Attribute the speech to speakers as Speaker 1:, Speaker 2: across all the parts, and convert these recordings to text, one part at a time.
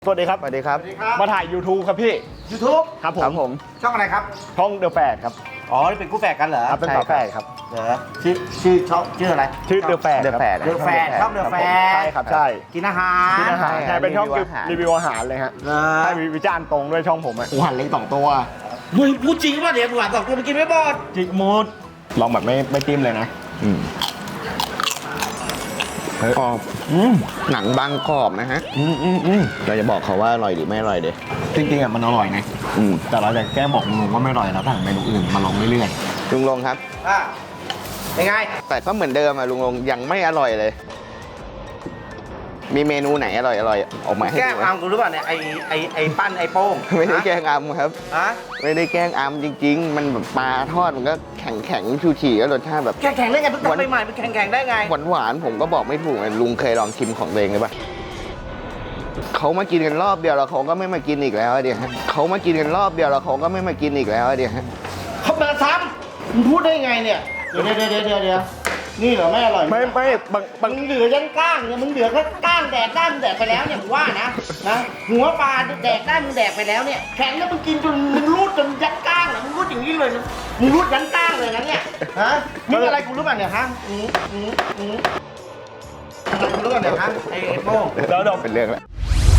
Speaker 1: สวัสดีครับ
Speaker 2: สวัสดีครับ
Speaker 1: มาถ่าย YouTube ครับพี่
Speaker 3: YouTube
Speaker 1: ครับ
Speaker 2: ครับ
Speaker 1: ผ
Speaker 2: ผม ม
Speaker 3: ช่องอะไรครับ
Speaker 1: ช่องเดอะแฟดครับ
Speaker 3: อ๋อ นี่เป็นคู่แฝดกันเหรอ
Speaker 1: ครับเป็น
Speaker 2: ใช่
Speaker 1: ฝาแฝดครับ
Speaker 3: เหรอชื่อช่องชื่ออะไร
Speaker 1: ชื่อเดอะแฟด
Speaker 2: The Fad
Speaker 3: เดอะแฟดช่องเดอะแฟด
Speaker 1: ใช่ครับใช่
Speaker 3: กินอาหาร
Speaker 1: กินอาหาร
Speaker 2: ใช่
Speaker 1: ใช่เป็นช่อง
Speaker 2: รีวิวอาหาร
Speaker 1: รีวิวอาหารเลยฮะ
Speaker 3: เหรอ
Speaker 1: ใช่มีวิจารณ์ตรงด้วยช่องผมอ่ะหันเล็ก2 ตัว
Speaker 3: มึงพูดจริงป่ะเดี๋ยวหวานบอกกูไปกินไม่บอด
Speaker 1: จิกมูดลองแบบไม่จิ้มเลยนะ
Speaker 2: กรอบหนังบางกรอบนะฮะเราจะบอกเขาว่าอร่อยหรือไม่อร่อยเด้
Speaker 1: จริงๆอ่ะมันอร่อยนะ
Speaker 2: อืม
Speaker 1: แต่เราจะแก้บอกลุงว่าไม่อร่อยแล้วสั่งเมนูอื่นมาลองเรื่อย
Speaker 2: ลุงลงครับ
Speaker 3: อ่ะยังไง
Speaker 2: แต่ก็เหมือนเดิมอะลุงลงยังไม่อร่อยเลย มีเมนูไหนอร่อยออกมาให้
Speaker 3: แก้
Speaker 2: ดู
Speaker 3: อามกูรู้ป่ะเนี่ยไอ้ปั้นไอ้โป้ง
Speaker 2: ไม่ได้แกล้งอัมครับ
Speaker 3: ฮะ
Speaker 2: ไม่ได้แกล้งอัมจริง ๆ มันแบบปลาทอดมันก็แข็งชูฉี่ก็รสชาติแบบ
Speaker 3: แข่งได้ไงเพิ่งทำใหม่ๆมันแข่งได้ไง
Speaker 2: หวานๆผมก็บอกไม่ถูกไงลุงเคยลองชิมของตัวเองเลยปะเขามากินกันรอบเดียวแล้วเขาก็ไม่มากินอีกแล้วอะเดี๋ยวฮะเขามากินกันรอบเดียวแล้วเขาก็ไม่มากินอีกแล้วอะเดี๋ยวฮะ
Speaker 3: เขามาซ้ำมึงพูดได้ไงเนี่ย เดี๋ยวนี่เหรอไม่อร่อย
Speaker 1: ๆไม่บาง
Speaker 3: มึงเหลือยันก้างเนี่ยมึงเหลือแค่ก้างแดกได้มึงแดกไปแล้วเนี่ยมึงว่านะหัวปลาแดกได้มึงแดกไปแล้วเนี่ยแข็งแล้วมึงกินจนมึงรูดจนยันก้างนะมึงรูดอย่างนี้เลยนะมึงรูดยันก้างเลยนะเนี่ยฮะนี่อะไรกูรู้ป่ะเนี่ยฮะอะไรกูรู้ป่ะเนี่ยฮะไอ้โป้ง
Speaker 1: แล้วเดี๋ยว
Speaker 2: เป็นเรื่องแล้ว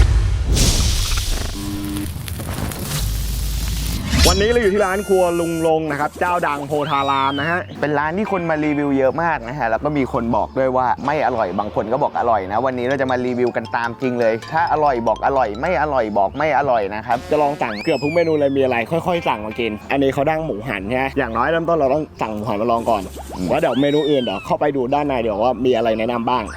Speaker 1: วันนี้เราอยู่ที่ร้านครัวลุงลงนะครับเจ้าดังโพธารามนะฮะ
Speaker 2: เป็นร้านที่คนมารีวิวเยอะมากนะฮะแล้วก็มีคนบอกด้วยว่าไม่อร่อยบางคนก็บอกอร่อยนะวันนี้เราจะมารีวิวกันตามจริงเลย ถ้าอร่อยบอกอร่อยไม่อร่อยบอกไม่อร่อยนะครับ
Speaker 1: จะลองสั่งเกือบทุกเมนูเลยมีอะไรค่อยๆสั่งมากิน อันนี้เขาดั้งหมูหันใช่ไหมอย่างน้อยเริ่มต้นเราต้องสั่งหมูหันมาลองก่อนว่าเดี๋ยวเมนูอื่นเดี๋ยวเข้าไปดูด้านในเดี๋ยวว่ามีอะไรแนะนำบ้าง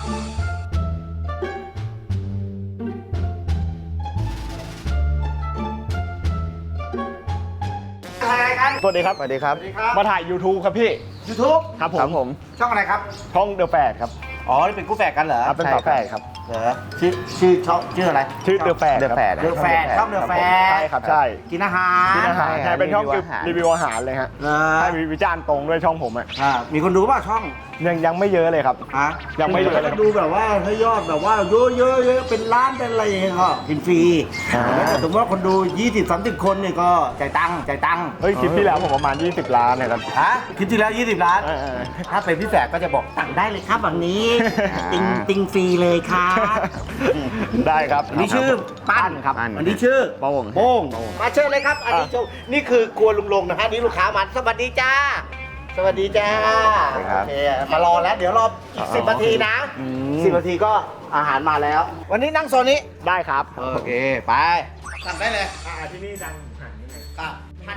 Speaker 3: อะไรกัน
Speaker 1: สวัสดีครับ
Speaker 2: สวัสดีครับ
Speaker 3: สวัสดีครับ
Speaker 1: มาถ่าย YouTube ครับพี่
Speaker 3: YouTube
Speaker 1: ครับผ
Speaker 2: ครับ
Speaker 1: ม
Speaker 2: ผม
Speaker 3: ช่องอะไรครับ
Speaker 1: ช่องเดอะแฟดครับ
Speaker 3: อ๋อ นี่เป็นคู่แฝดกันเหรอ
Speaker 1: ครับเป็นฝาแฝดครับ
Speaker 3: เหรอชื่อช่องชื่ออะไร
Speaker 1: ชื่อเดอะแฟด
Speaker 2: The Fad
Speaker 3: เดอะแฟดช่องเดอะแฟด
Speaker 1: ใช่ครับใช่
Speaker 3: กินอาหาร
Speaker 1: กินอาหาร
Speaker 2: ใช่
Speaker 1: ใช่เป็นช่อง
Speaker 2: รีวิวอาหาร
Speaker 1: รีวิวอาหารเลยฮะ
Speaker 3: เหรอ
Speaker 1: ใช่มีวิจารณ์ตรงด้วยช่องผมอ่ะ
Speaker 3: มีคนดูเปล่าช่อง
Speaker 1: ยังไม่เยอะเลยครับ
Speaker 3: ฮะ
Speaker 1: ยังไม่เยอะเลย
Speaker 3: ดูแบบว่าถ้ายอดแบบว่าเยอะเป็นล้านเป็นอะไรอย่างเงี้ยก็กินฟรี
Speaker 1: อ่า
Speaker 3: แต่สมมติว่าคนดู 20-30 คนเนี่ยก็จ่ายตังค์
Speaker 1: เฮ้ยคลิปที่แล้วผมประมาณ20 ล้านเนี่ยครับ
Speaker 3: ฮะคลิปที่แล้ว 20 ล้าน
Speaker 1: เออ
Speaker 3: ถ้าเป็นพี่แฝดก็จะบอกตังค์ได้เลยครับวันนี้
Speaker 2: อ่า
Speaker 3: ติงฟรีเลยครับ
Speaker 1: ได้ครับ
Speaker 3: อันนี้ชื่อปั้นครับ
Speaker 2: ปั้น
Speaker 3: อันนี้ชื่อ
Speaker 2: โป้ง
Speaker 3: โป้งมาเชิญเลยครับ อันนี้โชว์นี่คือครัวลุงลงนะฮะนี่ลูกค้ามาสวัสดีจ้า สวัสดีจ้า
Speaker 2: สวัสดีครับ
Speaker 3: โอเคมารอแล้ว เดี๋ยวรออีก10 นาทีนะ 10 นาทีก็อาหารมาแล้ว วันนี้นั่งโซนนี้
Speaker 1: ได้ครับ
Speaker 3: โอเค ไปสั่งได้เลย
Speaker 1: ที่นี่ดังหัน
Speaker 3: ครับ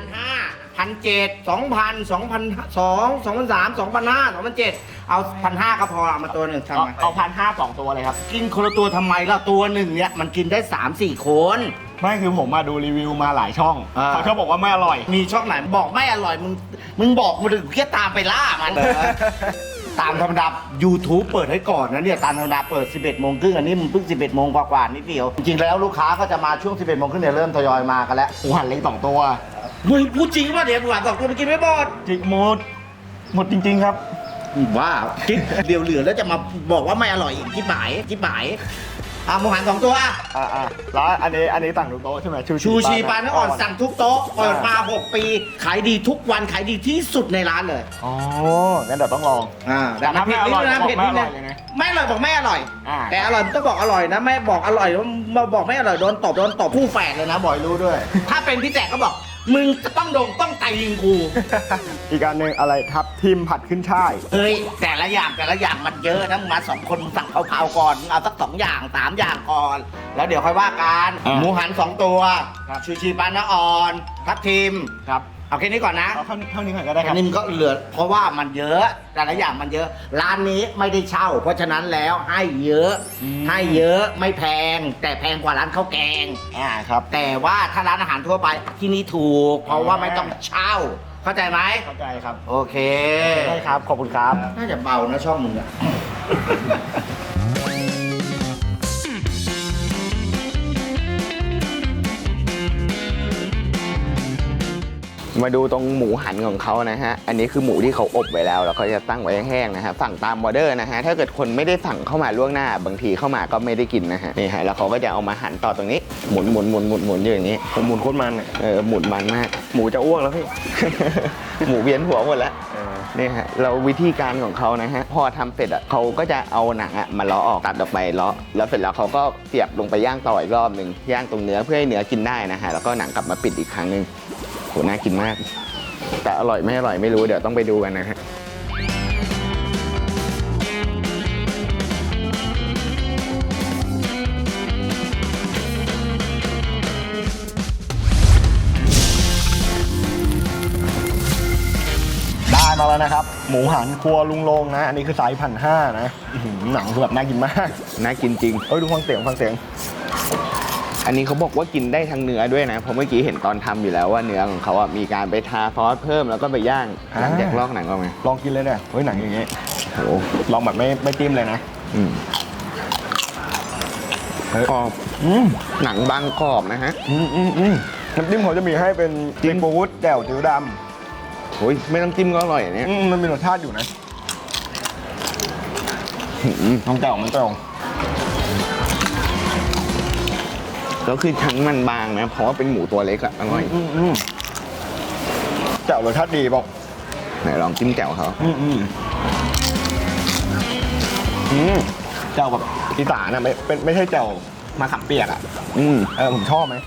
Speaker 3: 1,500 1,700 2,000 2,002 2,003 2,500 2,007เอา1,500ก็พอเอามาตัวหนึ่งทำไม
Speaker 1: เอา1,500 2 ตัวเลยครับ
Speaker 3: กินคนละตัวทำไมล่ะตัวหนึ่งเนี่ยมันกินได้ 3-4 คน
Speaker 1: ไม่คือผมมาดูรีวิวมาหลายช่อง
Speaker 3: อ่า
Speaker 1: เขาชอบบอกว่าไม่อร่อย
Speaker 3: มีช่องไหนบอกไม่อร่อยมึงบอกมาถึงแค่ตามไปล่ามันตามธรรมดา YouTube เปิดให้ก่อนนะเนี่ยตามธรรมดาเปิด 11 โมงครึ่งอันนี้มันเพิ่ง 11 โมงกว่าๆนิดเดียว จริงๆแล้วลูกค้าก็จะมาช่วง 11 โมงครึ่งเนี่ยเริ่มทยอยมากันแล้ว
Speaker 1: หมูหันเล็ก2 ตัว
Speaker 3: เฮ้ยพูดจริงป่ะเดี๋ยวหวานบอกกูไปกินไม่บอด
Speaker 1: จิกหมดจริง ๆ ครับ
Speaker 3: ว้าวคิดเดี๋ยวเหลือแล้วจะมาบอกว่าไม่อร่อยอีกที่หมายหมูหัน2 ตัว
Speaker 1: แล้วอันนี้สั่งทุกโต๊ะใช่ไหม
Speaker 3: ชูชีปลาเนื้ออ่อนสั่งทุกโต๊ะเปิดมา 6 ปี ขายดีทุกวันขายดีที่สุดในร้านเลย
Speaker 1: อ๋องั้นเดี๋ยวต้องลอง
Speaker 3: แต่มันเผ็ดนิดนึงนะเผ็ดนิดนึงไม่อร่อยบอกไม่อร่อย แต่อร่อยต้องบอกอร่อยนะไม่บอกอร่อยมาบอกไม่อร่อยโดนตบผู้แฝดเลยนะบอยรู้ด้วย ถ้าเป็นพี่แจกก็บอกมึงจะต้องไตยิงกู
Speaker 1: อีกอันหนึ่งอะไรทับทิมผัดขึ้นช่าย
Speaker 3: เฮ้ยแต่ละอย่างมันเยอะนะมึงมา2 คนมึงสั่งเผาๆก่อนมึงเอาสัก2 อย่าง 3 อย่างก่อน แล้วเดี๋ยวค่อยว่ากัน
Speaker 1: อ่า
Speaker 3: หมูหัน 2 ตัว
Speaker 1: ครับ
Speaker 3: ชูชีปลาเนื้ออ่อนทับทิม
Speaker 1: ครับ
Speaker 3: เอาแค่นี้ก่อนนะ
Speaker 1: เอาเท่านี้ก่อนก็ได้ค
Speaker 3: อั
Speaker 1: รับ
Speaker 3: นนี้มันก็เหลือเพราะว่ามันเยอะแต่ละอย่างมันเยอะ ร้านนี้ไม่ได้เช่า เพราะฉะนั้นแล้วให้เยอะไม่แพง แต่แพงกว่าร้านข้าวแกง
Speaker 1: ครับ
Speaker 3: แต่ว่าถ้าร้านอาหารทั่วไปที่นี่ถูก เพราะว่าไม่ต้องเช่า เข้าใจไหม
Speaker 1: เข้าใจครับ
Speaker 3: โอเค
Speaker 1: ได้ครับ ขอบคุณครับ
Speaker 3: น่าจะเบานะช่องมึงอะ
Speaker 1: ร
Speaker 2: มาดูตรงหมูหันของเขานะฮะ อันนี้คือหมูที่เขาอบไว้แล้วเขาจะตั้งไว้แห้งนะฮะสั่งตามออเดอร์นะฮะถ้าเกิดคนไม่ได้สั่งเข้ามาล่วงหน้าบางทีเข้ามาก็ไม่ได้กินนะฮะนี่ฮะแล้วเขาก็จะเอามาหั่นต่อตรงนี้หมุนอยู่อย่างนี้
Speaker 1: ผมหมุนโคตรมันเนี่ย
Speaker 2: หมุนมันมาก
Speaker 1: หมูจะอ้วกแล้วพี่
Speaker 2: หมูเวียนหัวหมดแล้วนี่ฮะเราวิธีการของเขานะฮะพอทำเสร็จอ่ะเขาก็จะเอาหนังอ่ะมาเลาะออกตัดออกไปเลาะแล้วเสร็จแล้วเขาก็เสียบลงไปย่างต่ออีกรอบหนึ่งย่างตรงเนื้อเพื่อให้เนื้อกินได้นะฮะแล้วก็หนังกลับมาปิดอีกครั้งหนึ่งโหน่ากินมาก แต่อร่อยไม่อร่อยไม่รู้เดี๋ยวต้องไปดูกันนะฮะ
Speaker 1: ได้มาแล้วนะครับ หมูหันครัวลุงลงนะ อันนี้คือไซส์1,500นะอื้อหือหนังคือแบบน่ากินมาก
Speaker 2: น่ากินจริง
Speaker 1: ดูฟังเสียง
Speaker 2: อันนี้เขาบอกว่ากินได้ทั้งเนื้อด้วยนะเพราะเมื่อกี้เห็นตอนทำอยู่แล้วว่าเนื้อของเขาอ่ะมีการไปทาซอสเพิ่มแล้วก็ไปย่างหลังจากลอกหนังออกมา
Speaker 1: ลองกินเลยเนี่ยเฮ้ยหนังอย่างงี้
Speaker 2: โห
Speaker 1: ลองแบบไม่จิ้มเลยนะ
Speaker 2: กรอบหนังบางกรอบนะฮะ
Speaker 1: น้ำจิ้มเขาจะมีให้เป็นซีฟู้ดแจ่วจืดด
Speaker 2: โอ้ยไม่ต้องจิ้มก็อร่อยอันเนี้ย
Speaker 1: ำมันมีรสชาติอยู่นะน้องแจ่วมันตรง
Speaker 2: แล้วคือทั้งมันบางนะเพราะว่าเป็นหมูตัวเล็กอะอร่อย
Speaker 1: แจ่วรสชาติดีบอก
Speaker 2: ไหนลองจิ้มแจ่วเขา
Speaker 1: แจ่วแบบอีสานอะไม่ใช่แจ่วมะขามเปียกอะผมชอบไหม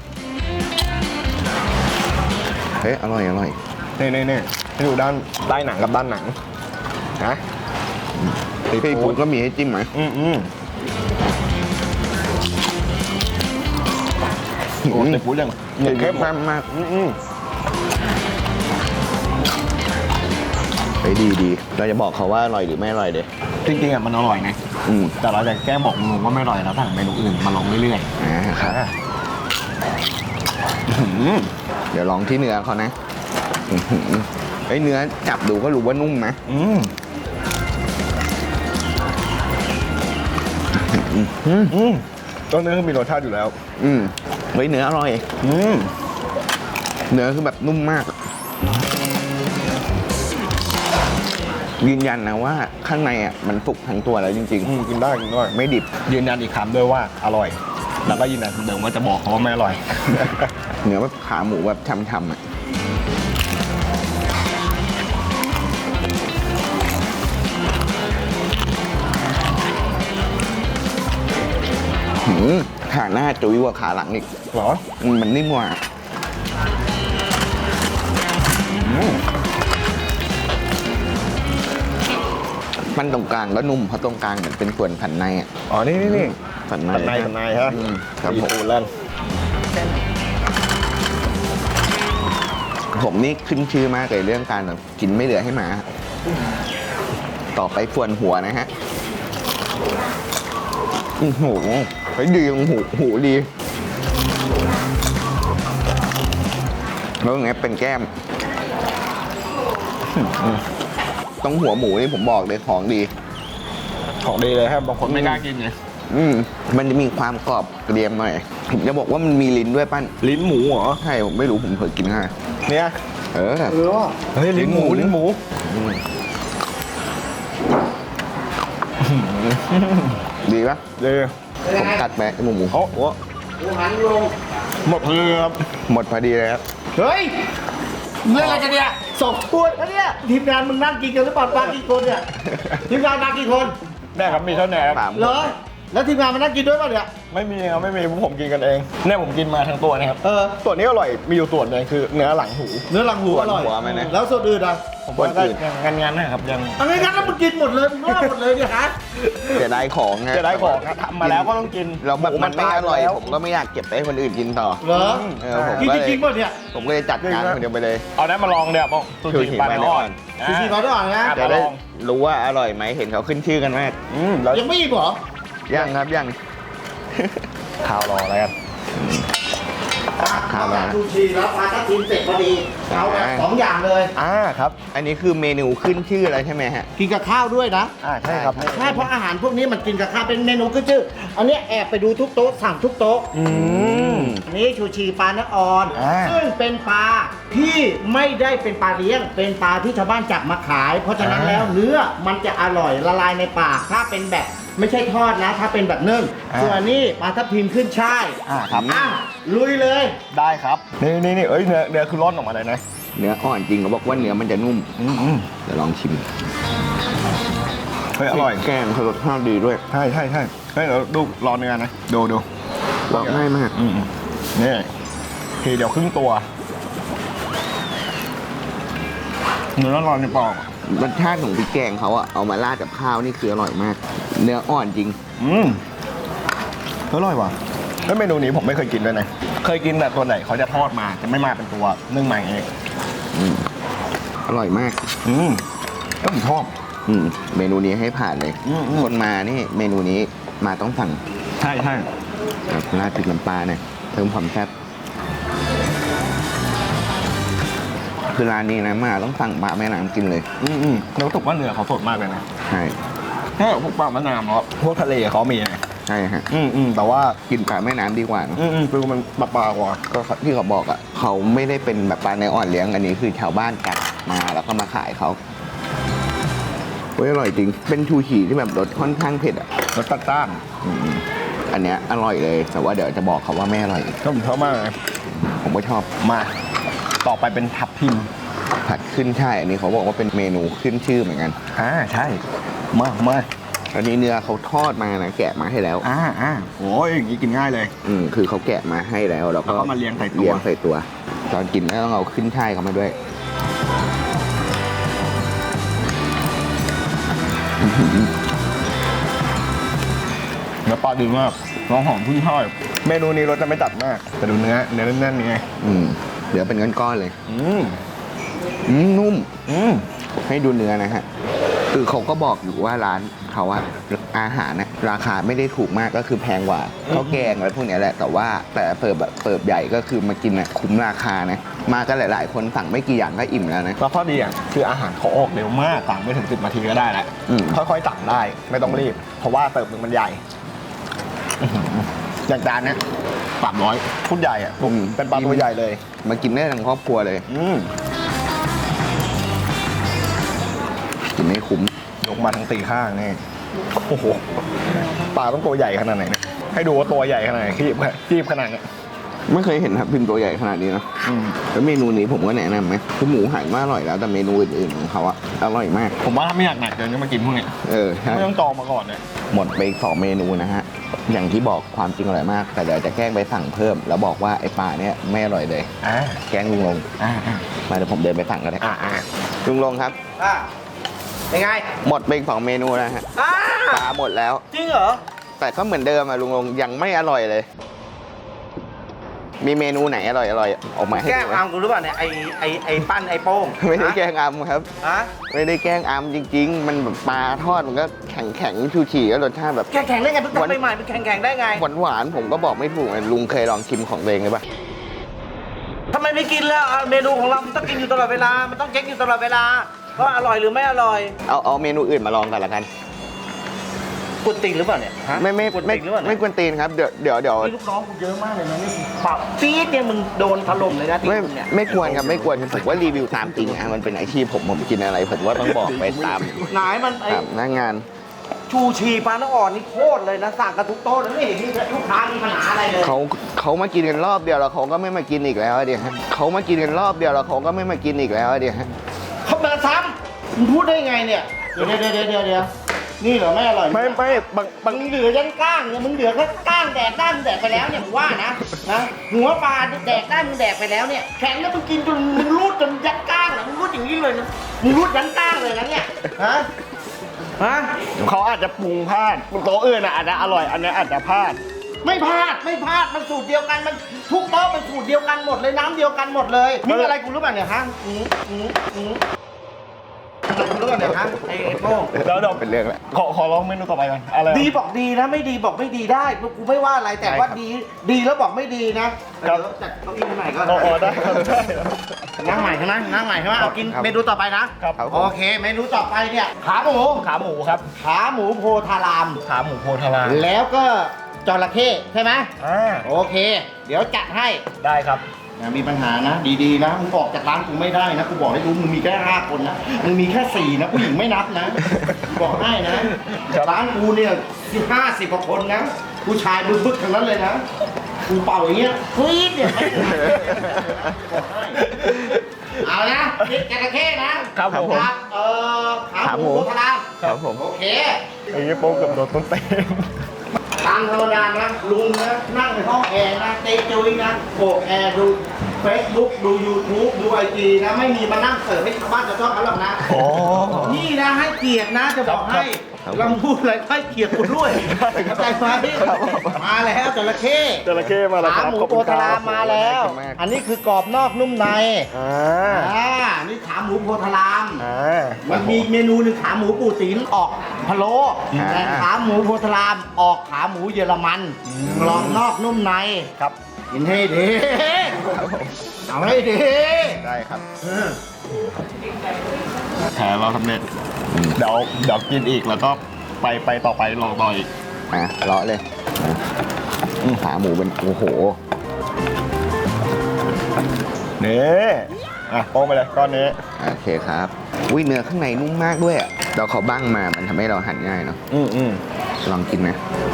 Speaker 2: เฮ้ยอร่อยอร่อย
Speaker 1: นี่ให้ดูด้านใต้หนังกับด้านหนังนะ
Speaker 2: พี่ปุ๊กก็มีให้จิ้มไหม
Speaker 1: โอ้ยพูดยัง
Speaker 2: เข้มข้นมากเฮ้ยดีเราจะบอกเขาว่าอร่อยหรือไม่อร่อยเด้
Speaker 1: จริงๆอะมันอร่อยนะแต่เราจะแก้บอกมึงว่าไม่อร่อยแล้วสั่งเมนูอื่นมาลองเรื่อยๆ
Speaker 2: ครับเดี๋ยวลองที่เนื้อเขานะเฮ้ยเนื้อจับดูก็รู้ว่านุ่มนะ
Speaker 1: ต้นเนื้อคือมีรสชาติอยู่แล้ว
Speaker 2: เฮ้ยเนื้ออร่อยเนื้อคือแบบนุ่มมากยืนยันนะว่าข้างในอ่ะมันสุกทั้งตัวแล้วจริง
Speaker 1: กินได้
Speaker 2: ไม่ดิบ
Speaker 1: ยืนยันอีกคำด้วยว่าอร่อยแล้วก็ยืนยันคำเดิมว่าจะบอกเขาว่าไม่อร่อย
Speaker 2: เนื้อแบบขาหมูแบบช่ำๆอ่ะขาหน้าจุ้ยกว่าขาหลังอีก
Speaker 1: เหรอ
Speaker 2: มันนิ่มกว่ามันตรงกลางก็นุ่มเพราะตรงกลางเหมือนเป็นส่วนผันในอ่ะ
Speaker 1: นี่
Speaker 2: ผันใน
Speaker 1: ฮะ
Speaker 2: ครับผมผมนี่ขึ้นชื่อมากเลยเรื่องการกินไม่เหลือให้หมาต่อไปส่วนหัวนะฮะโอ้โหดีหูดีแล้วอย่างเงี้ยเป็นแก้มต้องหัวหมูนี่ผมบอกเลยของดี
Speaker 1: เลยครับบางคนไม่กล้ากินไง
Speaker 2: มันจะมีความกรอบเกรียมหน่อยผมจะบอกว่ามันมีลิ้นด้วยปั้น
Speaker 1: ลิ้นหมูเหรอ
Speaker 2: ใช่ผมไม่รู้ผมเคยกินง่าย
Speaker 1: เนี่ยเฮ้ยลิ้นหมู
Speaker 2: ดีปะ
Speaker 1: ดี
Speaker 2: ผมกัดไปหมู
Speaker 1: โอ้โหหันลงหมดเลยครับ
Speaker 2: หมดพอดีเลยครับ
Speaker 3: เฮ้ยเรื่องอะไรกันเนี่ย2 ตัวแล้วเนี่ยทีมงานมึงนั่งกินกันหรือเปล่ามากี่คนเนี่ยทีมงานมากี่คน
Speaker 1: ได้ครับมีเท่าไหร่
Speaker 3: เหรอแล้วทีมงานมานั่งกินด้วยป่ะเนี่ย
Speaker 1: ไม่มีครับไม่มีผมกินกันเองเนี่ยผมกินมาทั้งตัวนะครับส่วนนี้อร่อยมีอยู่ส่วนนึงคือเนื้อหลังหู
Speaker 3: อร่อยแล้วส่วนอื่นอ่ะ
Speaker 1: ผมว่าก็งานนะครับยัง
Speaker 3: งั้นแล้วมึงกินหมดเลยมึงว่าหมดเลยเนี่ยฮะ
Speaker 2: จะได้ของไง
Speaker 1: จะได้ของทำมาแล้วก็ต้องกิน
Speaker 2: เราแบบมันไม่อร่อยผมก็ไม่อยากเก็บไปให้คนอื่นกินต่อ
Speaker 3: เหรอกินจริงป่ะเนี่ย
Speaker 2: ผมก็เลยจัดการคนเดียวไปเลย
Speaker 1: เอาได้มาลองเดี๋ยวบอกซูชิปลาเนื้ออ่อน
Speaker 3: นะ
Speaker 2: จะได้รู้ว่าอร่อยไหมเห็นเขาขึ้นชื่อกันมาก
Speaker 3: ยังไม่อิ่มเหรอ
Speaker 2: ยังครับยัง
Speaker 1: ข้าวรออะไรกัน
Speaker 3: ข้าวซูชิแล้วพาทัพทีมเสร็จพอดีเอา2 อย่างเลย
Speaker 1: ครับ
Speaker 2: อันนี้คือเมนูขึ้นชื่ออะไรใช่ไหมฮะ
Speaker 3: กินกับข้าวด้วยนะ
Speaker 1: ใช่ครับ
Speaker 3: ใช่เพราะอาหารพวกนี้มันกินกับข้าวเป็นเมนูขึ้นชื่ออันนี้แอบไปดูทุกโต๊ะสั่งทุกโต๊ะนี่ชูชีปลาเนื้ออ่อน ซึ่งเป็นปลาที่ไม่ได้เป็นปลาเลี้ยง เป็นปลาที่ชาวบ้านจับมาขาย เพราะฉะนั้นแล้วเนื้อมันจะอร่อยละลายในปากถ้าเป็นแบบไม่ใช่ทอดนะ ถ้าเป็นแบบนึ่งส่วนนี้ปลาทับทิมขึ้นช่าย
Speaker 1: ครับ
Speaker 3: ลุยเลย
Speaker 1: ได้ครับนี่เอ้ยเนื้อคือร่อนออกมาเลยนะ
Speaker 2: เนื้ออ่อนจริงเขาบอกว่าเนื้อมันจะนุ่มเดี๋ยวลองชิม
Speaker 1: เฮ้ยอร่อย
Speaker 2: แกงเขารสชาติดีด้วย
Speaker 1: ใช่เฮ้ยเดี๋ยวดูรอเนื้อนะดู
Speaker 2: ลองง่ายมาก
Speaker 1: นี่ทีเดียวครึ่งตัวเนื้อร้อนในปาก
Speaker 2: รสชาติของพริกแกงเขาอะเอามาราดกับข้าวนี่คืออร่อยมาก เนื้ออ่อนจริง
Speaker 1: อร่อยว่ะแล้วเมนูนี้ผมไม่เคยกินด้วยนะเคยกินแต่ตัวไหนเขาจะทอดมาจะไม่มาเป็นตัวนึ่งใหม่เอง
Speaker 2: อร่อยมาก
Speaker 1: ก็ผมชอบ
Speaker 2: เมนูนี้ให้ผ่านเลย คนมานี่เมนูนี้มาต้องสั่ง
Speaker 1: ใช่
Speaker 2: ราดพริกน้ำปลาเนี่ยเพิ่มความแซ่บคือร้านนี้นะมาต้องสั่งปลาแม่น้ำกินเลย
Speaker 1: แล้วรู้สึกว่าเนื้อเขาสดมากเลยนะ
Speaker 2: ใช่
Speaker 1: ถ้าพวกปลามะนาวเนาะพวกทะเลเขามีไง
Speaker 2: ใช่ฮะ
Speaker 1: แต่ว่า
Speaker 2: กินปลาแม่น้ำดีกว่านะ
Speaker 1: คือมันปลากว่า
Speaker 2: ก็ที่เขาบอกอ่ะเขาไม่ได้เป็นแบบปลาในอ่อนเลี้ยงอันนี้คือชาวบ้านกัดมาแล้วก็มาขายเขาเฮ้ยอร่อยจริง เป็นชูชีที่แบบรสค่อนข้างเผ็ดอ่ะ
Speaker 1: รสต้าน
Speaker 2: อันเนี้ยอร่อยเลยแต่ว่าเดี๋ยวจะบอกเขาว่าไม่อร่อย
Speaker 1: ก็ผมชอบมากเลย
Speaker 2: ผมก็ชอบ
Speaker 1: มาต่อไปเป็นทับทิม
Speaker 2: ผัดขึ้นช่ายอันนี้เขาบอกว่าเป็นเมนูขึ้นชื่อเหมือนกัน
Speaker 1: ใช่มา
Speaker 2: อันนี้เนื้อเขาทอดมานะแกะมาให้แล้ว
Speaker 1: โอ้ยอย่างนี้กินง่ายเลย
Speaker 2: คือเขาแกะมาให้แล้วแล้วก็
Speaker 1: แล้วก็มาเรียงใส่ตัว
Speaker 2: เรียงใส่ตัว ตอนกินก็ต้องเอาขึ้นช่ายเขามาด้วย
Speaker 1: เนื้อปลาดีมากน้องหอมพุ่งช่อยเมนูนี้รสจะไม่จัดมากแต่ดูเนื้อแน่นๆนี่ไง
Speaker 2: เดี๋ยวเป็นก้อนๆเลย นุ่ม ให้ดูเนื้อนะฮะ คือเขาก็บอกอยู่ว่าร้านเขาอะอาหารนะราคาไม่ได้ถูกมากก็คือแพงกว่าข้าวแกงอะไรพวกเนี้ยแหละแต่ว่าแต่เปิดใหญ่ก็คือมากินอะคุ้มราคานะมากันหลายๆคนสั่งไม่กี่อย่างก็อิ่มแล้วนะ
Speaker 1: แล้วข้อดีอย่างคืออาหารเขาออกเร็วมากสั่งไม่ถึง10 นาทีก็ได้แล้ว ค่อยๆสั่งได้ไม่ต้องรีบ เพราะว่าเติบหนึ่งมันใหญ่อย่างจานเนี้ย300ชุดใหญ่อะเป็นปลาตัวใหญ่เลย
Speaker 2: มากินได้ทั้งครอบครัวเลยกินไม่คุ้ม
Speaker 1: ยกมาทั้ง4 ข้างนี่โอ้โหปลาต้องตัวใหญ่ขนาดไหนเนี่ยให้ดูว่าตัวใหญ่ขนาดไหนคีบขนาดเนี้ย
Speaker 2: ไม่เคยเห็นทับทิมตัวใหญ่ขนาดนี้นะแล้วเมนูนี้ผมก็แนะนำไหมคือหมูหันว่าอร่อยแล้วแต่เมนูอื่นๆของเขาอะอร่อยมาก
Speaker 1: ผมว่าถ้าไม่อยากหนักเกินก็มากินพวกเนี้ย
Speaker 2: ใช่
Speaker 1: ไม่ต้องจองมาก่อนเนี่ย
Speaker 2: หมดไปอีก2 เมนูนะฮะอย่างที่บอกความจริงอร่อยมากแต่เดี๋ยวจะแกล้งไปสั่งเพิ่มแล้วบอกว่าไอ้ปลาเนี่ยไม่อร่อยเลยแกล้งลุงลงมาเดี๋ยวผมเดินไปสั่งก็ได้ลุงลงครับ
Speaker 3: เป็นไง
Speaker 2: หมดไปอีก2 เมนูนะฮะปลาหมดแล้ว
Speaker 3: จริงเหรอ
Speaker 2: แต่ก็เหมือนเดิมอะลุงลงยังไม่อร่อยเลย มีเมนูไหนอร่อยออกมาให้
Speaker 3: แก้
Speaker 2: ดู
Speaker 3: ม
Speaker 2: ไหม
Speaker 3: อามกูรู้ป่ะเนี่ยไอ้ปั้นไอ้โป้ง
Speaker 2: ไม่ได้แกล้งอัมครับ
Speaker 3: ฮะ
Speaker 2: ไม่ได้แกล้งอัมจริง ๆ มันแบบปลาทอดมันก็แข็งชูชีก็รสชาติแบบ
Speaker 3: แข็งได้ไงเพิ่งทำใหม่ๆมันแข็งได้ไง
Speaker 2: หวานๆผมก็บอกไม่ถูกไงลุงเคยลองชิมของตัวเองเลยปะ
Speaker 3: ทำไมไม่กินแล้วเมนูของเรามันต้องกินอยู่ตลอดเวลามันต้องเช็คอยู่ตลอดเวลาว่าอร่อยหรือไม่อร่อย
Speaker 2: เอาเมนูอื่นมาลองกันละกัน
Speaker 3: กวนตีนหรือเปล่าเนี่ยฮะ
Speaker 2: ไม่
Speaker 3: กวนตีนหรือเปล่า
Speaker 2: ไม่กวนตีนครับเดี๋ยว
Speaker 3: มีลูกน้องกูเยอะมากเลยนะนี่เปล่าปี๊ดเนี่ยมึงโดนถล่มเลยนะที
Speaker 2: ไม่
Speaker 3: มเนี่ย
Speaker 2: ไม่ควรครับไม่ควรผมว่ารีวิวตามจริงอะมันเป็นอาชีพผมกินอะไรผมว่าต้องบอกไปตาม
Speaker 3: ไหนมันไอ้
Speaker 2: หน้างาน
Speaker 3: ชูชีปลาน้ำอ่อนนี่โคตรเลยนะสั่งกันทุกโต๊ะแล้วไม่เห็นมีลูกค้ามีปัญหาอะไรเลย
Speaker 2: เขามากินกันรอบเดียวแล้วเขาก็ไม่มากินอีกแล้วเดี๋ยวเขามากินกันรอบเดียวแล้วเขาก็ไม่มากินอีกแล้วเดี๋ยว
Speaker 3: เขามาซ้ำมึงพูดได้ไงเนี่ยเดี๋ยวนี่เหรอไม่อร่อย
Speaker 1: ไม่บาง
Speaker 3: มึงเหลือยันก้างเนี่ยมึงเหลือแค่ก้างแดกได้มึงแดกไปแล้วเนี่ยมึงว่านะหัวปลาแดกได้มึงแดกไปแล้วเนี่ยแข็งแล้วมึงกินจนมึงรูดจนยันก้างนะมึงรูดอย่างนี้เลยนะมึงรูดยันก้างเลยนะเนี่ยฮะ
Speaker 1: เขาอาจจะปรุงพลาดโต๊ะอื่นอาจจะอร่อยอันนี้อาจจะพลาด
Speaker 3: ไม่พลาดมันสูตรเดียวกันมันทุกโต๊ะมันสูตรเดียวกันหมดเลยน้ำเดียวกันหมดเลยมึงอะไรกูรู้ป่ะเนี่ยฮะอะไรกูรู้ป่ะเนี่ยฮะไอ้โป้ง
Speaker 1: แล้วเดี๋ยว
Speaker 2: เป็นเรื่องแหละ
Speaker 1: ขอลองเมนูต่อไปกันอะไร
Speaker 3: ดีบอกดีนะไม่ดีบอกไม่ดีได้กูไม่ว่าอะไรแต่ว่าดีแล้วบอกไม่ดีนะเดี๋ยวจัดเก้าอี้ใหม่ก็
Speaker 1: ได้ครับได้
Speaker 3: นั่งใหม่ใช่ไหมเอากินเมนูต่อไปนะครับ โอเคเมนูต่อไปเนี่ยขาหมู
Speaker 1: ขาหมูครับ
Speaker 3: ขาหมูโพธาราม
Speaker 1: ขาหมูโพธาราม
Speaker 3: แล้วก็จระเข้ใช่ไหม
Speaker 1: อ่า
Speaker 3: โอเค เดี๋ยวจัดให้
Speaker 1: ได้ครับ
Speaker 3: อย่ามีปัญหานะ ดีๆนะมึงออกจากร้านกูไม่ได้นะกูบอกให้รู้มึงมีแค่5 คนนะมึงมีแค่4นะผู้หญิงไม่นับนะบอกให้นะร้านกูเนี่ย50 กว่าคนนะผู้ชายบึกๆทั้งนั้นเลยนะกูเป่าอย่างเงี้ยฟี๊ดเนี่ยเอานะนี่จระเข้นะครับ
Speaker 1: ผม
Speaker 3: ครับขาหมูโพธาราม
Speaker 2: ครับผม
Speaker 3: โอเค
Speaker 1: ไอ้ยี่โป๊กเกับโดนต้นเต็ม
Speaker 3: ตามธรรมดานะลุงนะนั่งในห้องแอร์นะเตะจุยนะโบกแอร์ดู Facebook ดู YouTube ดู IG นะไม่มีมานั่งเสิร์ฟให้ชาวบ้านชาวช่องเขาหรอกนะ
Speaker 1: โอ้
Speaker 3: นี่นะให้เกียรตินะจะบอกให้
Speaker 2: ครับ
Speaker 3: ลำพูดอะไรให้เกียรติคุณด้วยเข้าใจไหมมาแล้วจระเข้
Speaker 1: จระเข้มาแล้วค
Speaker 3: ขา
Speaker 1: รับ
Speaker 3: หมู
Speaker 1: ขอบ
Speaker 3: โพ
Speaker 1: คุณค
Speaker 3: ธา
Speaker 1: รั
Speaker 3: รา
Speaker 1: บ
Speaker 3: มมาแล้ว
Speaker 2: ขอบคุณมาก
Speaker 3: อันนี้คือกรอบนอกนุ่มใน
Speaker 1: อ่า
Speaker 3: นี่ขาหมูโพธาราม
Speaker 1: อ่า
Speaker 3: มันมีเมนูหนึ่งขาหมูปูติ๋นออกพะโล้แต่ขาหมูโพธารามออกขาหมูเยอรมันกรอบนอกนุ่มใน
Speaker 1: ครับ
Speaker 3: กินให้ดีเอาให้ดี
Speaker 2: ได้ครับ
Speaker 1: แผลเราสำเร็จเดี๋ยวกินอีกแล้วก็ไปต่อไปลองต่ออีก
Speaker 2: อ่ะเลาะเลยขาหมูเป็นโอ้โห
Speaker 1: นี่อ่ะโป้งไปเลยก้อนนี้
Speaker 2: โอเคครับอุ้ยเนื้อข้างในนุ่มมากด้วยอ่ะเราเขาบ้างมามันทำให้เราหั่นง่ายเนาะ
Speaker 1: อืม
Speaker 2: ลองกินนะ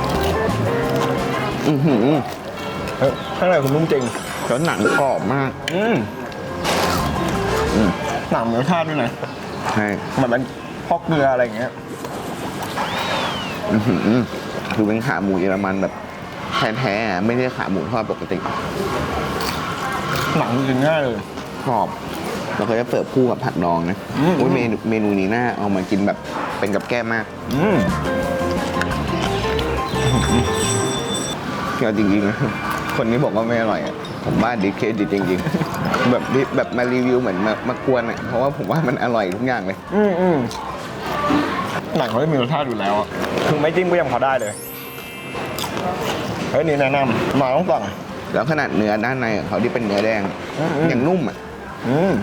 Speaker 2: อือหือ
Speaker 1: เฮ้ยข้างในคุณนุ่มจริง
Speaker 2: แล้วหนังกรอบมาก
Speaker 1: อืม
Speaker 2: อืม
Speaker 1: หนังมีรสชาติด้วยนะ
Speaker 2: ใช่
Speaker 1: เหมือนเป็นพอกเกลืออะไรอย่างเงี้ย
Speaker 2: อือหือคือเป็นขาหมูเยอรมันแบบแท้ๆอ่ะไม่ใช่ขาหมูทอดปกติ
Speaker 1: หนังกินง่ายเลย
Speaker 2: กรอบเราก็จะเสิร์ฟคู่กับผัดดองนะ
Speaker 1: อืม
Speaker 2: โอ้ยเมนูนี้น่าเอามากินแบบเป็นกับแก้มมาก
Speaker 1: อืม
Speaker 2: เอาจริงๆนะคนนี้บอกว่าไม่อร่อยอ่ะผมว่าดิเครดิตจริงๆ แบบมารีวิวเหมือนมากวนอ่ะเพราะว่าผมว่ามันอร่อยทุกอย่างเลย
Speaker 1: อืมหนังเขาจะมีรสชาติอยู่แล้วอะคือไม่จิ้มก็ยังพอได้เลยเฮ้ยนี่แนะนำมาต้องสั่ง
Speaker 2: แล้วขนาดเนื้อด้านในของเขาที่เป็นเนื้อแดง
Speaker 1: อืม
Speaker 2: ยังนุ่มอ่ะ
Speaker 1: อืม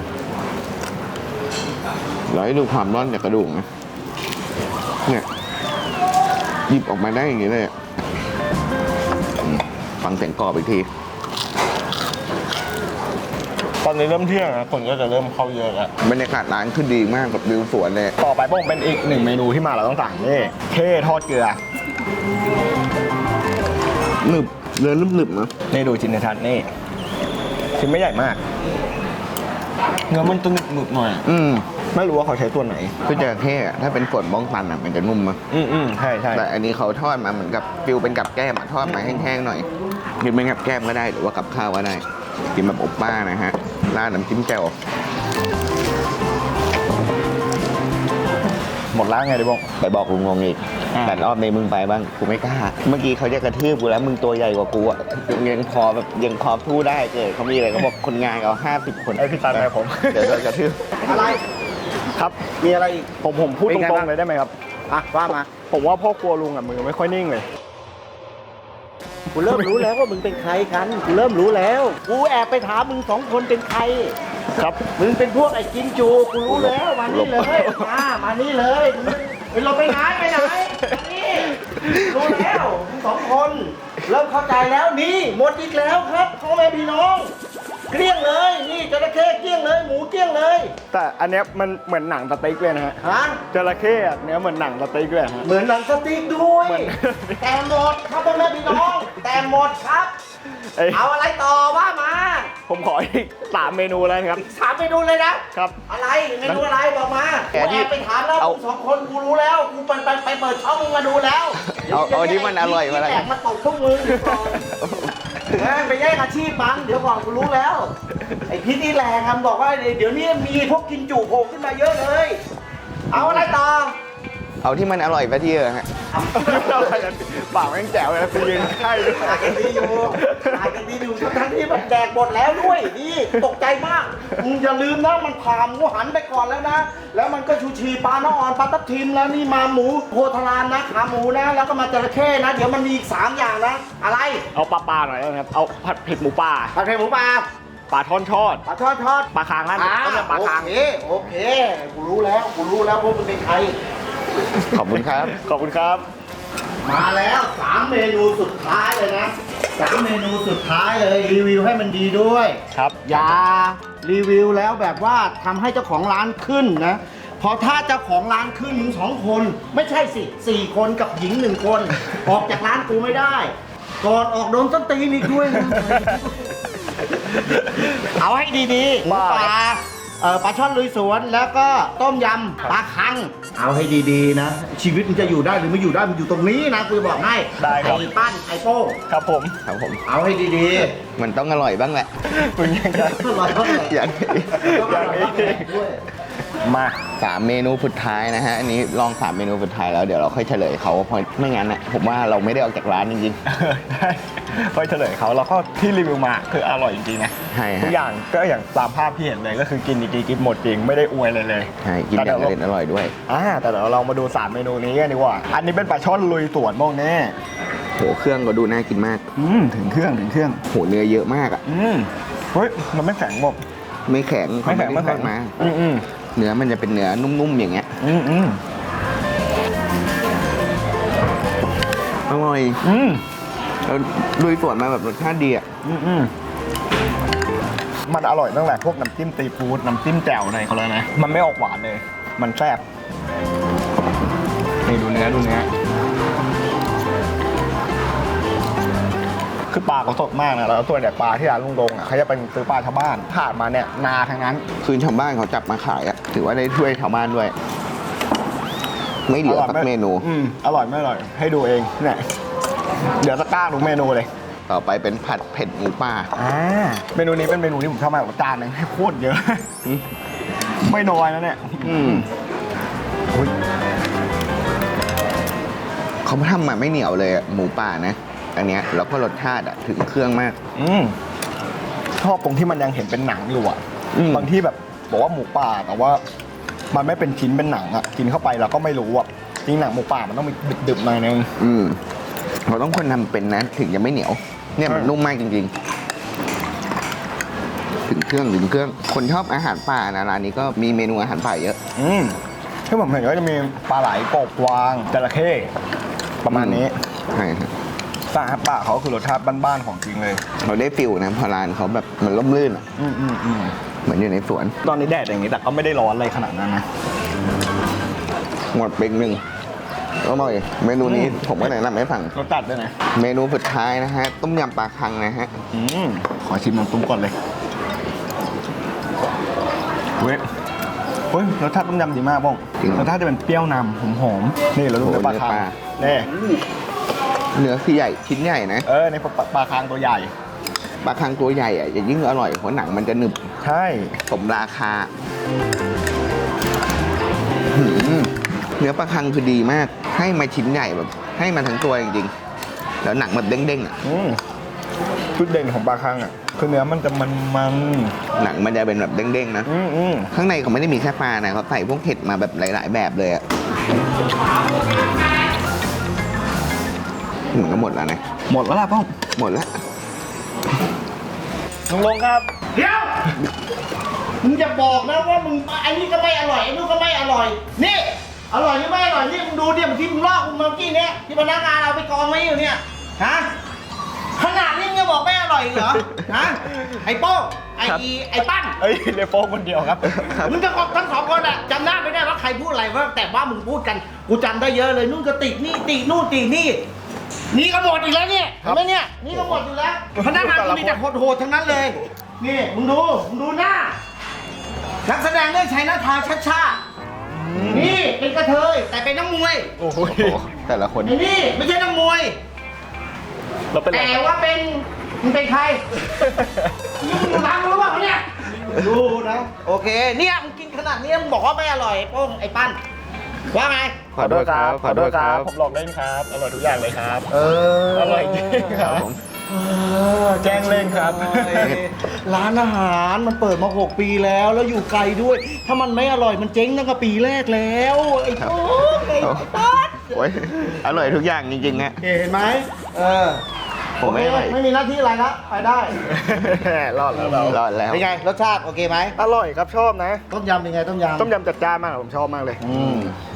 Speaker 2: เราให้ดูความร่อนจากกระดูกนะเนี่ยหยิบออกมาได้อย่างนี้เลยอะฟังเสียงกรอบอีกที
Speaker 1: ตอนนี้เริ่มเที่ยงนะคนก็จะเริ่มเข้าเยอะแล้ว
Speaker 2: บรรยากาศร้านคือดีมากกับวิวสวนเลย
Speaker 1: ต่อไปโป้งเป็นอีกหนึ่งเมนูที่มาเราต้องสั่งนี่เข้ทอดเกลือ
Speaker 2: หนึบเนื้อหนึบๆนะ
Speaker 1: นี่ดูชิ้นในทัดนี่ชิ้นไม่ใหญ่มากเนื้อมันจะหนึบๆหน่อย ไม่รู้ว่าเขาใช้ตัวไหน
Speaker 2: คือจระเข้อะถ้าเป็นส่วนบ้องตันอ่ะมันจะนุ่มมาก
Speaker 1: ใช่ใช่
Speaker 2: แต่อันนี้เขาทอดมาเหมือนกับฟิลเป็นกับแก้มอะทอดมาแห้งๆหน่อยกินเป็นกับแก้มก็ได้หรือว่ากับข้าวก็ได้กินแบบอบป้านะฮะราดน้ำจิ้มแจ่ว
Speaker 1: หมดแล้วไงดิบ้ง
Speaker 2: ไปบอกลุงงงอีก
Speaker 1: อ่า
Speaker 2: แต่รอบนี้มึงไปบ้างกูไม่กล้า เมื่อกี้เขาจะกระทืบกูแล้วมึงตัวใหญ่กว่ากูอ่ะยังพอพูดได้เกิดเขามีอะไรเขาบอกคนงานเอา50 คน
Speaker 1: ไอพี่ตันไปผม
Speaker 2: เดี๋ยวโดนกระทืบ
Speaker 3: อะไร
Speaker 1: ครับ
Speaker 3: มีอะไรอีก
Speaker 1: ผมพูด
Speaker 3: เป็น
Speaker 1: ต
Speaker 3: ไง
Speaker 1: รง
Speaker 3: บ้าง
Speaker 1: ๆเลยได้ไหมครับ
Speaker 3: อ่ะว่ามา
Speaker 1: ผมว่าพ่อครัวลุงอ่ะมือไม่ค่อยนิ่งเลย
Speaker 3: กูเริ่มรู้แล้วว่ามึงเป็นใครกันกูเริ่มรู้แล้วกูแอบไปถามมึง2 คนเป็นใคร
Speaker 1: ครับ
Speaker 3: มึงเป็นพวกไอ้กินจูกูรู้แล้วมานี่เลยมานี่เลยมึงเราไปไหนมานี่รู้แล้วมึง2 คนเริ่มเข้าใจแล้วนี่หมดอีกแล้วครับพ่อแม่พี่น้องเกลี้ยงเลยนี่จระเข้เกลี้ยงเลยหมูเกลี้ยงเลย
Speaker 1: แต่อันเนี้ยมันเหมือนหนังสเต็กเลยนะฮะ
Speaker 3: ฮะ
Speaker 1: จระเข้อะเนื้อเหมือนหนังสเต็กเลยฮะ
Speaker 3: เหมือนหนังสติ๊กด้วย
Speaker 1: เหมือน
Speaker 3: แต่หมดครับพ่อแม่พี่น้องแต่หมดครับ
Speaker 1: เอ้ย
Speaker 3: เอาอะไรต่อว่ามา
Speaker 1: ผมขออีก3 เมนูแล้วนะครับ
Speaker 3: ถามไปดูเลยนะครับ อะไรเมนูอะไรบอกมากูแอบไปถามแล้วมึง2 คนกูรู้แล้วกูไปเปิดช่องมึงมาดูแล้ว
Speaker 2: เอาที่มันอร่อยมาแล้ว
Speaker 3: แตกมาตกพวกมึงเดี๋ยวก่อนไปแย่งอาชีพบังเดี๋ยวก่อนกูรู้แล้วไอ้พิษนี่แรงครับบอกว่าเดี๋ยวนี้มีพวกกินจุโผล่ขึ้นมาเยอะเลย เอาอะไรต่อ
Speaker 2: เอาที่มันอร่อยไปที่ฮะ
Speaker 1: ปากแม่งแจ๋วเลยนะไปยืนใกล้ด้วย
Speaker 3: ถ่ายกันดีอยู่ทั้งที่มันแดกหมดแล้วด้วยนี่ตกใจมากมึงอย่าลืมนะมันผ่าหมูหันไปก่อนแล้วนะ แล้วมันก็ชูชีปลาน้ำอ่อนปลาทับทิมแล้วนี่มาหมูโพธารามนะขาหมูนะแล้วก็มาจระเข้นะ เดี๋ยวมันมีอีก3 อย่างนะ อะไร
Speaker 1: เอาปลาหน่อยนะครับ เอาผัดเผ็ดหมูป่า
Speaker 3: ผัดเผ็ดหมูปลา
Speaker 1: ปลาท่อนทอด
Speaker 3: ปลาทอด
Speaker 1: ปลาคางนั่นต้มยำปลาคาง
Speaker 3: โอเคกูรู้แล้วพวกมึงเป็นใคร
Speaker 2: ขอบคุณครับ
Speaker 1: ขอบคุณครับ
Speaker 3: มาแล้ว3เมนูสุดท้ายเลยนะ3เมนูสุดท้ายเลยรีวิวให้มันดีด้วย
Speaker 1: ครับ
Speaker 3: อย่ารีวิวแล้วแบบว่าทำให้เจ้าของร้านขึ้นนะพอถ้าเจ้าของร้านขึ้นมึง2 คนไม่ใช่สิ4 คนกับหญิง1 คนออกจากร้านกูไม่ได้ก่อนออกโดนส้นตีนอีกด้วยนะเอาให้ดีๆหมูปลาปลาช่อนลุยสวนแล้วก็ต้มยำปลาคังเอาให้ดีๆนะชีวิตมันจะอยู่ได้หรือไม่อยู่ได้มันอยู่ตรงนี้นะกูจะบอกให้
Speaker 1: ได้ครับ
Speaker 3: ไอ้ปั้นไอ้โป้ง
Speaker 1: ครับผม
Speaker 2: ครับผม
Speaker 3: เอาให้ดี
Speaker 2: มันต้องอร่อยบ้างแหละ
Speaker 1: มึงยังจะ
Speaker 3: ๆอร่อยเท่าไหร่
Speaker 2: อย่างนี้
Speaker 3: อย่างนี้ด้วย
Speaker 1: มา
Speaker 2: 3 เมนูสุดท้ายนะฮะ อันนี้ลอง 3 เมนูสุดท้ายแล้วเดี๋ยวเราค่อยเฉลยเขาเพราะไม่งั้นนะผมว่าเราไม่ได้ออกจากร้านจริง
Speaker 1: ได้ค่อยเฉลยเขาแล้วก็ที่รีวิวมาคืออร่อยจริงๆนะ
Speaker 2: ใช่ฮะ
Speaker 1: ทุกอย่างก็อย่างตามภาพที่เห็นเลยก็คือกินจริงๆกินหมดจริงไม่ได้อวยเลยเลย
Speaker 2: ๆ ใช่ กินอย่างอร่อยอร่อยด้วย
Speaker 1: แต่เดี๋ยวเรามาดู3เมนูนี้กันดีกว่า อันนี้เป็นปลาช่อนลุยสวนบ้องแน่
Speaker 2: โห เครื่องก็ดูน่ากินมาก
Speaker 1: ถึงเครื่อง
Speaker 2: โห เนื้อเยอะมากอ่ะ
Speaker 1: เฮ้ยมันไม่แข็งหมด
Speaker 2: ไม่แข็งเขา
Speaker 1: ไม่แข็ง
Speaker 2: มา
Speaker 1: อืม
Speaker 2: เนื้อมันจะเป็นเนื้อนุ่มๆอย่างเงี้ย อร่อยแล้วลุยสวนมาแบบรสชาติดีอ่ะ
Speaker 1: มันอร่อยตั้งแต่พวกน้ำจิ้มซีฟู้ดน้ำจิ้มแจ่วอะไรเขาเลยนะมันไม่ออกหวานเลย มันแซ่บนี่ดูเนื้อคือปลาเขาสดมากนะแล้วส่วนใหญ่ปลาที่ร้านลุงดงอ่ะเขาจะเป็นซื้อปลาชาวบ้านผ่านมาเนี่ยนาทั้งนั้น
Speaker 2: คือชาวบ้านเขาจับมาขายอ่ะ ถือว่าได้ช่วยชาวบ้านด้วย ไม่เหลือสักเมนู
Speaker 1: อร่อยไม่อร่อยให้ดูเองเนี่ยเดี๋ยวจะกล้าทุกเมนูเลย
Speaker 2: ต่อไปเป็นผัดเผ็ดหมูป่า
Speaker 1: เมนูนี้เป็นเมนูที่ผมชอบมากจานหนึงให้โคตรเยอะ ไม่น้อยนะเนี่ย อุ๊ย
Speaker 2: เขาทำมาไม่เหนียวเลยอะหมูป่านะ อันเนี้ยแล้วก็รสชาติอะถึงเครื่องมาก
Speaker 1: ชอบตรงที่มันยังเห็นเป็นหนังอยู่อ่ะ
Speaker 2: อืม
Speaker 1: บางที่แบบบอกว่าหมูป่าแต่ว่ามันไม่เป็นชิ้นเป็นหนังอ่ะกินเข้าไปเราก็ไม่รู้อ่ะจริงหนังหมูป่ามันต้องมีดึบๆหน่อยนึง
Speaker 2: เราต้องคนทำเป็นนะถึงจะไม่เหนียว เนี่ยมันนุ่มมากจริงๆ ถึงเครื่อง คนชอบอาหารป่านะร้านนี้ก็มีเมนูอาหารป่าเยอะ
Speaker 1: ที่ผมเห็นก็จะมีปลาไหลกบกวางจระเข้ประมาณนี้
Speaker 2: ใช่ครับ
Speaker 1: อาหารป่าเขาคือรสชาติบ้านๆของจริงเลย
Speaker 2: เราได้ฟิลนะพอร้านเขาแบบมันร่มรื่นอะ เหมือนอยู่ในสวน
Speaker 1: ตอนนี้แดดอย่างนี้แต่ก็ไม่ได้ร้อนอะไรขนาดนั้นนะ
Speaker 2: หมดเป็นหนึ่งอร่อยเมนูนี้ผมก็แนะนำให้ฟัง
Speaker 1: รสจัดด้วยนะ
Speaker 2: เมนูสุดท้ายนะฮะ ต้มยำปลาคังนะฮะ
Speaker 1: ขอชิมน้ำตุ้มก่อนเลยเว้ยรสชาติต้มยำดีมากบ้อง
Speaker 2: จริง
Speaker 1: รสชาติจะเป็นเปรี้ยวนำหอมๆนี่เราดู
Speaker 2: โอ้
Speaker 1: เนื้อปลาคัง
Speaker 2: เนื้อปลา
Speaker 1: นี่
Speaker 2: เนื้อคือใหญ่ชิ้นใหญ่นะ
Speaker 1: ในปลาคังตัวใหญ่
Speaker 2: ปลาคังตัวใหญ่อะจะยิ่งอร่อยเพราะหนังมันจะหนึบ
Speaker 1: ใช่
Speaker 2: สมราคาหืมเนื้อปลาคังคือดีมาก ให้มาชิ้นใหญ่แบบ ให้มาทั้งตัวจริงๆ แล้วหนังแบบเด้งๆอ่ะ
Speaker 1: จุดเด่นของปลาคังอ่ะคือเนื้อมันจะมัน
Speaker 2: หนังมันจะเป็นแบบเด้งๆนะ ข้างในเขาไม่ได้มีแค่ปลานะเขาใส่พวกเห็ดมาแบบหลายๆแบบเลยอ่ะเหมือนก็หมดแล้วนะ
Speaker 1: หมดแล้วล่ะป้อง
Speaker 2: หมดแล้ว
Speaker 1: ลุงลงครับ
Speaker 3: เดี๋ยวมึงจะบอกนะว่ามึงอันนี้ก็ไม่อร่อยอันนู้นก็ไม่อร่อยนี่อร่อยหรือไม่อร่อยนี่มึงดูเนี่ยที่มึงลอกมึงเมื่อกี้เนี้ยที่พนักงานเอาไปกองไว้อยู่เนี่ยฮะขนาดนี้มึงจะบอกไม่อร่อยอีกเหรอฮะไอ้โป้งไอ้ปั้น
Speaker 1: เอ้ยเดโป้คนเดียวครับ
Speaker 3: มึงจะบอกทั้ง2 คนอะจำหน้าไม่ได้ว่าใครพูดอะไรว่าแต่ว่ามึงพูดกันกูจำได้เยอะเลยนู่นก็ตินี่ตินู่นตินี่นี่ก็หมดอีกแล้วเนี่ยเห็นไหมเนี่ยนี่ก็หมดอยู่แล้วพนักงานกูมีแต่โหดๆทั้งนั้นเลยนี่มึงดูหน้านักแสดงเรื่องชัยนาทาชัดๆนี่เป็นกระเทยแต่เป็นนักมวย
Speaker 1: โอ้โห
Speaker 2: แต่ละคน
Speaker 3: ไอ้นี่ไม่ใช่นักมวย
Speaker 1: เราเป็นอะไร
Speaker 3: แต่ว่าเป็นมึงเป็นใครมึงรักรู้ป่ะเนี่ยดูนะโอเคเนี่ยมึงกินขนาดนี้มึงบอกว่าไม่อร่อยโป้งไอ้ปั้นว่าไง
Speaker 2: ขอโทษครับ
Speaker 1: ขอโทษครับผมหลอกเล่นครับอร่อยทุกอย่างเลยครับ อร่อยจริงครับแจ้งเล่นครับ
Speaker 3: ร้านอาหารมันเปิดมา6 ปีแล้วอยู่ไกลด้วย ถ้ามันไม่อร่อยมันเจ๊งตั้งแต่ปีแรกแล้วไอ้โป้งไอ้ปั้น
Speaker 2: โอ้ยอร่อยทุกอย่างจริงๆฮะ
Speaker 3: เห็นไหม
Speaker 2: ผมไม่
Speaker 3: โอเคไม่มีหน้าที่อะไรละไปได้
Speaker 1: รอดแล้วเรา
Speaker 2: รอดแล้ว
Speaker 3: เป็นไงรสชาติโอเคไหม
Speaker 1: อร่อยครับชอบนะ
Speaker 3: ต้มยำเป็นไงต้มยำ
Speaker 1: ต้มยำจัดจ้านมากผมชอบมากเลย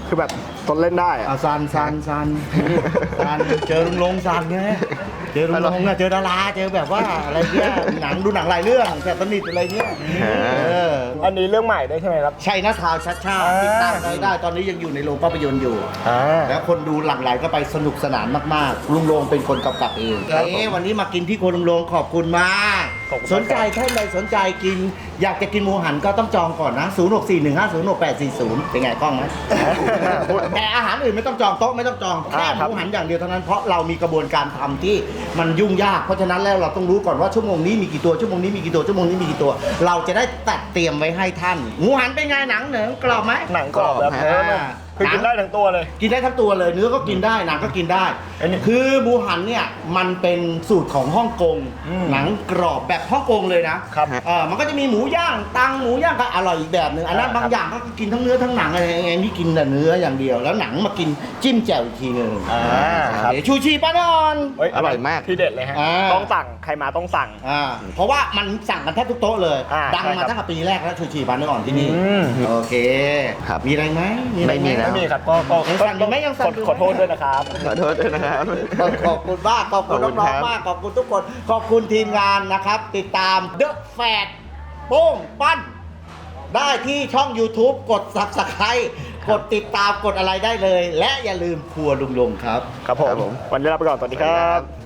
Speaker 1: คือแบบตนเล่นได้อะ
Speaker 3: เอาซันเจอลุงลงซันไงเจอลุงลงอะเจอดาราเจอแบบว่าอะไรเงี้ยหนังดูหนังหลายเรื่องแต่สนิทอะไรเงี้ย
Speaker 1: อันนี้เรื่องใหม่ได้ใช่ไหมครับ
Speaker 3: ชัยนาทาวน์ชัดชาติติดตามได้ตอนนี้ยังอยู่ในโรงภาพยนตร์อยู่ แล้วคนดูหลั่งไหลก็ไปสนุกสนานมากๆลุงลงเป็นคนกำกับเอง
Speaker 1: ครับผม
Speaker 3: วันนี้มากินที่โครัวลุงลงขอบคุณมาก
Speaker 1: ขอบคุณมาก
Speaker 3: สนใจท่านใดสนใจกิน อยากจะกินหมูหันก็ต้องจองก่อนนะ 0641506840 เป็นไงกล้องไหม แต่อาหารอื่นไม่ต้องจองโต๊ะไม่ต้องจองแค่หมูหันอย่างเดียวเท่านั้นเพราะเรามีกระบวนการทำที่มันยุ่งยากเพราะฉะนั้นแล้วเราต้องรู้ก่อนว่าชั่วโมงนี้มีกี่ตัวชั่วโมงนี้มีกี่ตัวชั่วโมงนี้มีกี่ตัว เราจะได้ตัดเตรียมไว้ให้ท่านหมูหันเป็นไงหนังเหนือกรอบไหม
Speaker 1: หนังกรอบแบบเนื้อนุ่มคือกินได้ทั้งตัวเลย
Speaker 3: กินได้ทั้งตัวเลยเนื้อก็กินได้หนังก็กินได้
Speaker 1: อันนี้
Speaker 3: คือหมูหันเนี่ยมันเป็นสูตรของฮ่องกง
Speaker 1: อืม
Speaker 3: หนังกรอบแบบฮ่องกงเลยนะครับ มันก็จะมีหมูย่างตังหมูย่างก็อร่อยอีกแบบหนึ่งอันนั้น
Speaker 1: ครับ
Speaker 3: บางอย่างก็กินทั้งเนื้อทั้งหนังอะไรไงนี่กินแต่เนื้ออย่างเดียว แล้วหนังมากินจิ้มแจ่วอีกทีหนึง
Speaker 1: ครับ
Speaker 3: เดี๋ยวชูชีป้านอน
Speaker 1: เฮ้ย
Speaker 2: อร่อยมาก
Speaker 1: ที่เด็ดเลยฮะ
Speaker 3: อ่า
Speaker 1: ต้องสั่งใครมาต้องสั่ง
Speaker 3: เพราะว่ามันสั่งกันแทบทุกโต๊ะเลย ดัง
Speaker 1: ใช่ครั
Speaker 3: มา
Speaker 1: บ
Speaker 3: ตั้งแต่ปีแรกแล้วชูชีป้านอนที่นี่
Speaker 1: อืม
Speaker 3: โอเค
Speaker 2: ครับ
Speaker 3: มีอะไรไหมอะไรห
Speaker 2: ไม่มีแล้ว
Speaker 1: ไม่มีครับก็
Speaker 3: ยังสั่งอยู่ไหมยังสั่งอยู่ไหม
Speaker 1: ขอโทษด้วยนะครับ
Speaker 2: ขอโทษด้วยนะครับ
Speaker 3: ขอบคุณมากขอบคุณ
Speaker 2: ขอบคุณ
Speaker 3: น้อง
Speaker 2: ครับ
Speaker 3: ๆมากขอบคุณทุกคน ขอบคุณทีมงานนะครับ ติดตาม The Fat โป้งปั้น ได้ที่ช่อง YouTube กด Subscribe กดติดตามกดอะไรได้เลย และอย่าลืมครัวลุงลงครับ
Speaker 1: ครับผม วันนี้ลาไปก่อน สวัสดีครับ